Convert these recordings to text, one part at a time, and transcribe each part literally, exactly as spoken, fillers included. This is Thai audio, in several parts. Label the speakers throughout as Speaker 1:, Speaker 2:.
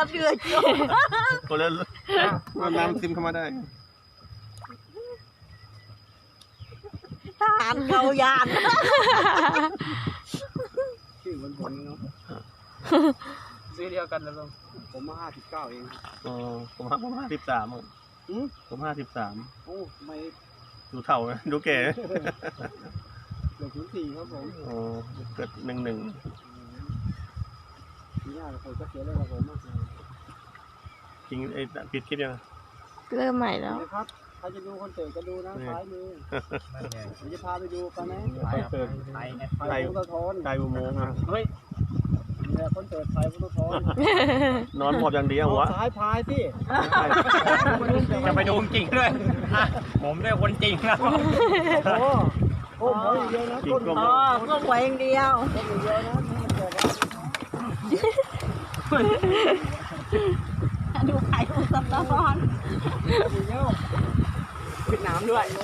Speaker 1: เดือดจ้ะ
Speaker 2: คนละน้ำซึมเข้ามาได้
Speaker 1: ทหารเกายาน
Speaker 3: ชื่อเหมือนผมเนาะซื้อเดียวกันแล้วลุงผมมาห้าสิบเก้าเอง
Speaker 2: อ๋อผมห้าผมห้าสิบสามผมห้าสิบสาม
Speaker 3: โอ้ไม่
Speaker 2: ดูเท่าไหมดูแก่
Speaker 3: เกิดศูนย์สี่ครับผม
Speaker 2: อ๋อเกิดหนึ่งหนึ่ง
Speaker 3: ปีหน้าเราเคยก็เสียแล้วผมมากเลย
Speaker 2: จริงไอ้ปิดคลิปยัง
Speaker 4: เริ่มใหม่แล้ว
Speaker 3: ครับใครจะดูคอนเสิร์ตก็ดูนะซ้ายมือผมจะพาไปดูกันนะ
Speaker 2: คอนเสิร์ตไทยไทยพุทธทนไทยอุโมงค์อ่ะเฮ้ย
Speaker 3: เนี่ยคอนเสิร์ตไทยพุทธทน
Speaker 2: นอนหมอบอย่างเดียวหัว
Speaker 3: ซ้ายพายสิ
Speaker 5: จะไปดูจริงด้วยผมได้คนจริงแล้ว
Speaker 3: โอ้โหหัวอย่างเดียวนะก้น
Speaker 1: อ๋อก้นหัวอย่างเดียว
Speaker 3: ก้นอย่างเดียวนะ
Speaker 1: ดูไข่ดูสับปะรด
Speaker 3: ปิดน้ำด้วย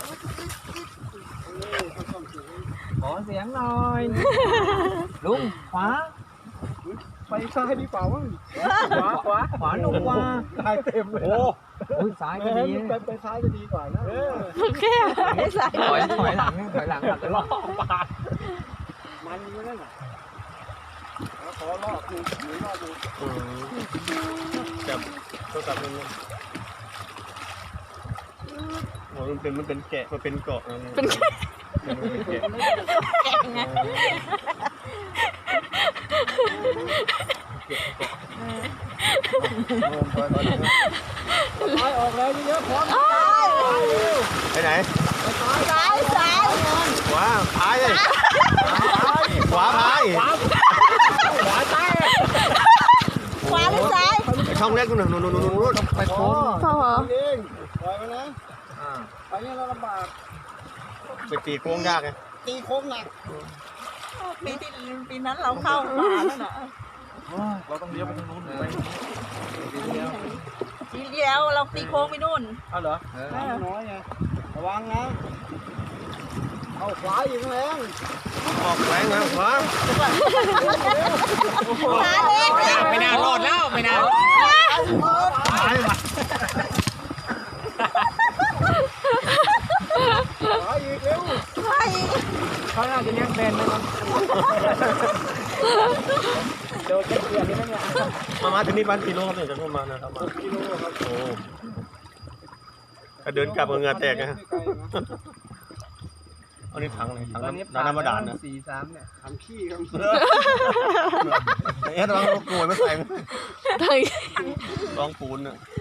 Speaker 3: ขอเสียงหน่อยลุงขวาไปซ้ายดีเปล่าวะขวาขวาขวาลงว่าซ้ายเต็มเลยโอ้ยซ้ายก็ดีไปไปซ้ายก็ดีกว่านะ
Speaker 4: โอเค
Speaker 3: ถอยถอยหลังถอยหลังจะล่อปาดมันอยู่นั่นน่ะขอล่อดูหรือล่อดู
Speaker 2: จับตัวจับมันโอ้มันเป็นมันเป็นแกะมันเป็นเกาะ
Speaker 4: เป็นแกะ
Speaker 3: ซ้ายออกแล้วเยอะพร้อม
Speaker 2: ไปไหน
Speaker 1: ซ้ายซ้าย
Speaker 2: ขวาพายเลยขวาพาย
Speaker 3: ขวาซ้าย
Speaker 1: ขวาหรือซ้าย
Speaker 2: ช่องเล็กนู่นนู่นนู่นนู่น
Speaker 3: ไปโค้ง
Speaker 4: พ่อเหรอ
Speaker 3: เองปล่อยมานะไปนี่เราลำบาก
Speaker 2: ไปตีโค้งยากไง
Speaker 3: ตีโค้งหนัก
Speaker 1: ปีที่ปีนั้นเราเข้าขวาแล้วนะ
Speaker 5: เราต้องเลี้ยวไปทางนู้นไป
Speaker 1: ทีเดียวเราตีโค้งไปนู่น
Speaker 3: เอาเหรอน้อยไงระวังนะเอาขวาอีกแรง
Speaker 2: ออกแรงนะขวา
Speaker 5: ไม่น่ารอดแล้วไม่น่า
Speaker 2: ตายว่ะ
Speaker 3: ขวาอีกเร็วเขาน่าจะเลี้ยงแบนนะครับเดี๋ยวเจ็บเกียร์นี่มั้งเนี่ย
Speaker 2: มามาถึงนี่วันกิโลครับเนี่ยจะประมาณนะครับ
Speaker 3: กิโลครับ
Speaker 2: โอ้ถ้าเดินกลับกับเงือแตกนะอันนี้ถังเลยถังน้ำน้ำมาด่านนะ
Speaker 3: สี่สามเนี่ยถังขี้ครับ
Speaker 2: เอ๊ะลองโกยไม่ใส่
Speaker 4: ถัง
Speaker 2: ลองปูนอ่ะ